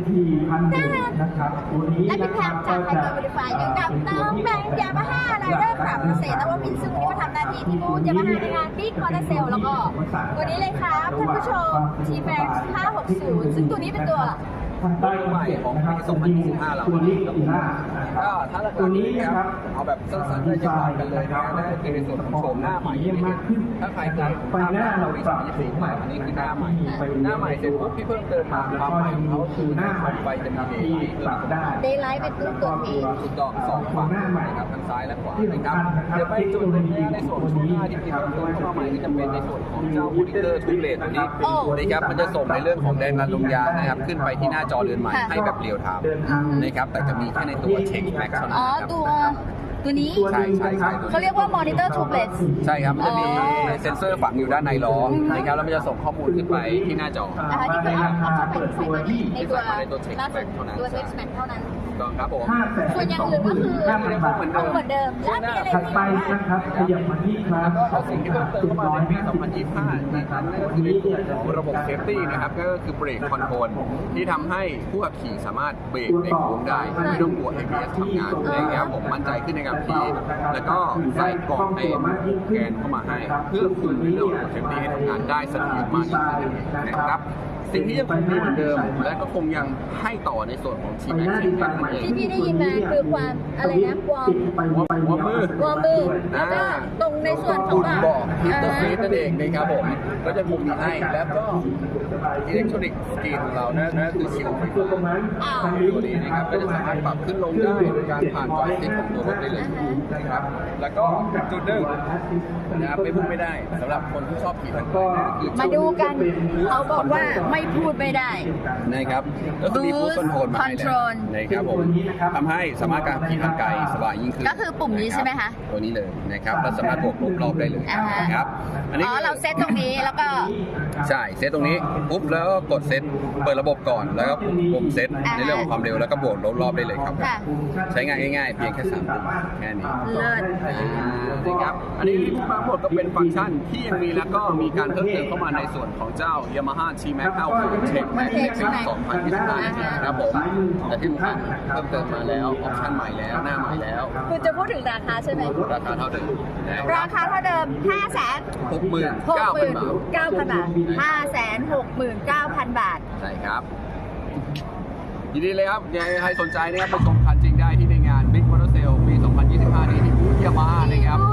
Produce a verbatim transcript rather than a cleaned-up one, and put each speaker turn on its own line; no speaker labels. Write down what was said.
ที่พันหนึ่งนะครับตัวนี้
และ
นะ
พี่
ค
แพ
รับ
มจากไทยเกิดบริฟายอยู่กับน้องแบงค์ยามาฮ่าไรเดอร์ขับเศษแต่ว่ามินซึ่งวันนี้มาทำหน้าที่ที่บูธยามาฮ่าในงานบิ๊กมอเตอร์เซลแล้วก็ตัวนี้เลยครับท่านผู้ชม ที แม็กซ์ ห้าหกศูนย์ ซึ่งตัวนี้เป็นตัว
ตัวใหม่ของปีสองพันยี่สิบห้าเราตัวนี้อีล่า
ก็ถ้าราคานี้นะครับเอาแบบสั้นๆได้จะบอกกันเลยนะนั่นก็คือในส่วนของโฉมหน้าใหม่ที่เห็นถ้าใครเคย
ไฟหน้าเราปรับสีใหม่
อันนี้คือหน้าใหม่หน้าใหม่เสร็จปุ๊บที่เพิ่มเติมมาความใหม่ของเขาคือหน้าใหม่ไฟจะมีเดย์
ปรับได้
เดย์ไลท์เป็นตัวตัวนี้
ถูกต้องสองฝั่งนะครับทั้งซ้ายและขวานะครับเดี๋ยวไปจุดนี้ในส่วนของหน้าที่มีเพิ่มเติมเข้ามาใหม่ก็จะเป็นในส่วนของเจ้ามอนิเตอร์ทูเลตตัวนี้นะครับมันจะส่งในเรื่องของแรงดันลมยางนะครับขึ้นไปที่หน้าจอเรือนใหม่ให้แบบเรียลไทม์นะครับแต่จะมีแค่ในตัวเช็คแม็กเท่านั้น
อ๋อ
นะครับ
ตัวตัวนี้
ใช่ใช่ใช่
เขาเรียกว่ามอนิเตอร์ทูเบล
ใช่ครับมันจะมีเซ็นเซอร์ฝังอยู่ด้านในล้อนะครับแล้วมันจะส่งข้อมูลขึ้นไปที่หน้าจอ
นะคะนี่คือเอาเอาเข้าไปใส่มาในตัว
ในตัว Check
ล่าสุด
Back เท่านั้น
ตัวเซ็กซ์แม็กเท่านั้น
ถูกต้องครับผม
ส่วนอย่างอื่นก็คือเอาเหมือนเดิมแล้วมีอะไร
ถัด
ที่
ไปนะครับขยับมาที่ครับ
แล้วก็สิ่งที่เพิ่มเติมเข้ามาในปี สองพันยี่สิบห้านะครับนั่นก็คือในส่วนของระบบเซฟตี้นะครับก็คือเบรกคอนโทรลที่ทำให้ผู้ขับขี่สามารถเบรกในโค้งได้ไม่ต้องกลัว เอ บี เอส ทำงานนะครับผมมั่นใจขึ้นในการขี่แล้วก็ใส่กล่องในแกนเข้ามาให้เพื่อคุมในเรื่องของเซฟตี้ให้ทำงานได้เสถียรมากยิ่งขึ้นนะครับสิ่งที่ยังคงมีเหมือนเดิมและก็คงยังให้ต่อในส่วนของทีมแม็กซ์นั่นเอง
ที่พี่ได้ยินมาคือความอะไรนะวอร์ม
วอร์มมือ
วอร์มมือแล้วก็ตรงในส่วนของ
คุณบอกฮิตเตอร์ฟีดนั่นเองนะครับผมก็จะคงมีให้แล้วก็อิเล็กทรอนิกส์สกรีนของเรานะนั่นคือชิลไฟฟ้าตัวนี้นะครับก็จะสามารถปรับขึ้นลงได้โดยการผ่านจอยสติ๊กของตัวรถได้เลยนะครับแล้วก็จุดหนึ่งนะครับไม่พูดไม่ได้สำหรับคนที่ชอบขี่ทางไกลนะคือ
มาดูกันเขาบอกว่าไม่พูดไม่ได้
นะครับก็คือมีฟู้ดคอนโทรลมาให้แล้วนะครับผมทำให้สามารถการขี่ทางไกลสบายยิ่งขึ้น
ก็คือปุ่มนี้ใช่ไหมคะ
ตัวนี้เลยนะครับแล้วสามารถบวกลบรอบได้เลย
อ่าฮะ
นะครับอันนี้
อ๋อเราเซตตรงนี้แล้วก็
ใช่เซตตรงนี้ปุ๊บแล้วก็กดเซตเปิดระบบก่อนแล้วก็ปุ่มเซตในเรื่องของความเร็วแล้วก็บวกลบรอบได้เลยครับ
ค่ะ
ใช้งานง่ายๆเพียงแค่สามปุ่มแค่นี้
เลิศ
อ่านะครับอันนี้ที่พูดมาหมดก็เป็นฟังก์ชันที่ยังมีแล้วก็มีการเพิ่มเติมเข้ามาในส่วนของเจ้า Yamaha ที แม็กซ์ ห้าสิบ Check Max ในปี สองพันยี่สิบห้านะครับผมและที่สำคัญเพิ่มเติมมาแล้วออปชั่นใหม่แล้วหน้าใหม่แล้ว
คุณจะพูดถึงราคาใช่ไหม
ราคาเท่าเดิมนะค
รา
รับ
คาเท่าเดิม ห้าแสน
หกหมื่น
หก
เก้า
ห
พัน
มื่น
บาท
เก้าพันบาทห้าแสนหกหมื่นเก้าพันบาท
ใช่ครับยินดีเลยครับยังไงใครสนใจนะครับไปชมคันจริงได้ที่ในงาน Big Motor Sale ปี สองพันยี่สิบห้า นี้ที่บูธยามาฮ่านะครับ